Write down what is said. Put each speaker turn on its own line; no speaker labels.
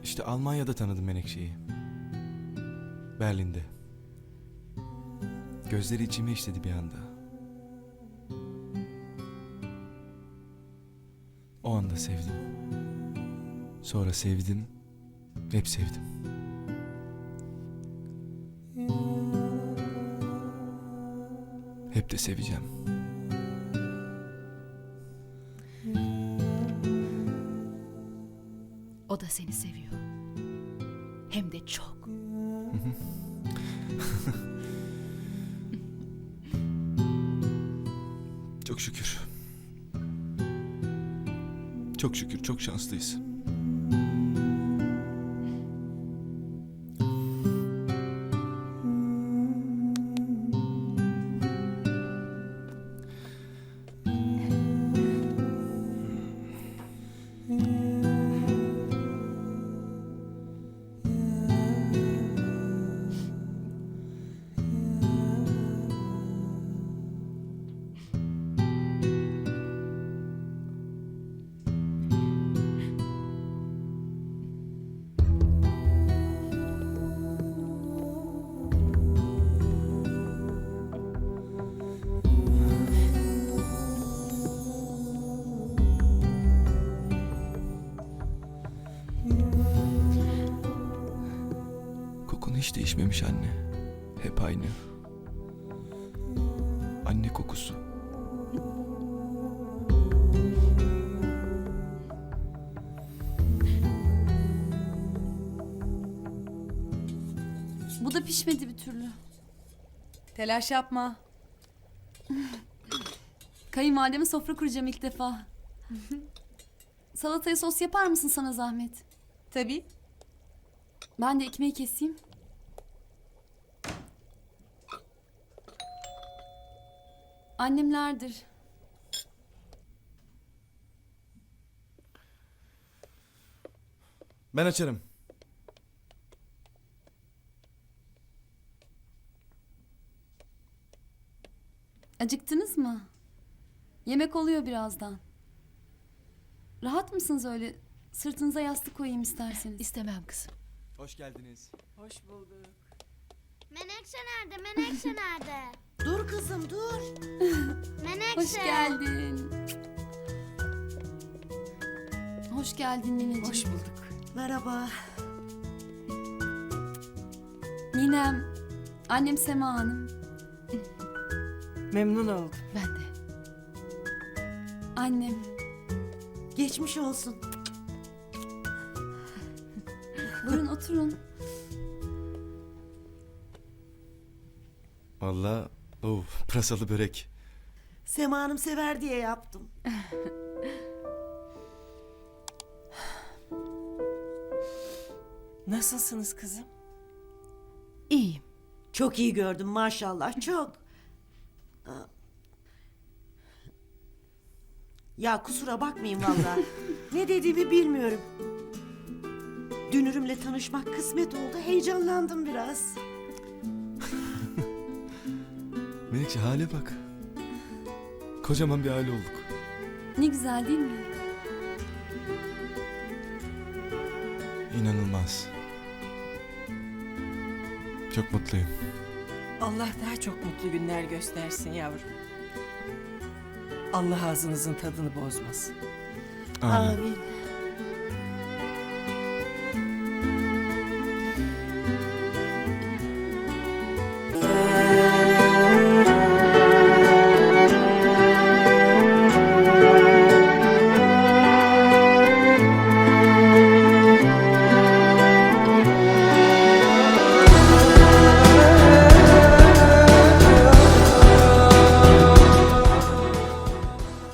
İşte Almanya'da tanıdım Menekşe'yi. Berlin'de. Gözleri içime işledi bir anda. O anda sevdim. Sonra sevdim, hep sevdim. Hep de seveceğim.
O da seni seviyor. Hem de çok.
Çok şükür. Çok şükür, çok şanslıyız. Kokun hiç değişmemiş anne. Hep aynı. Anne kokusu.
Bu da pişmedi bir türlü.
Telaş yapma.
Kayınvalideme sofra kuracağım ilk defa. Salataya sos yapar mısın sana zahmet?
Tabii.
Ben de ekmeği keseyim. Annemlerdir.
Ben açarım.
Acıktınız mı? Yemek oluyor birazdan. Rahat mısınız öyle? Sırtınıza yastık koyayım isterseniz.
İstemem kızım.
Hoş geldiniz.
Hoş bulduk.
Menekşe nerede? Menekşe nerede?
Dur kızım dur.
Menekşe.
Hoş geldin. Hoş geldin nineciğim.
Hoş bulduk.
Merhaba.
Ninem, annem Sema Hanım.
Memnun oldum.
Ben de.
Annem.
Geçmiş olsun.
Buyurun oturun.
Vallahi pırasalı börek.
Sema Hanım sever diye yaptım.
Nasılsınız kızım?
İyiyim.
Çok iyi gördüm maşallah çok. Aa. Ya kusura bakmayın vallahi. Ne dediğimi bilmiyorum. Dünürümle tanışmak kısmet oldu. Heyecanlandım biraz.
Menekşe hale bak. Kocaman bir aile olduk.
Ne güzel değil mi?
İnanılmaz. Çok mutluyum.
Allah daha çok mutlu günler göstersin yavrum. Allah ağzınızın tadını bozmasın.
Amin.
Amin.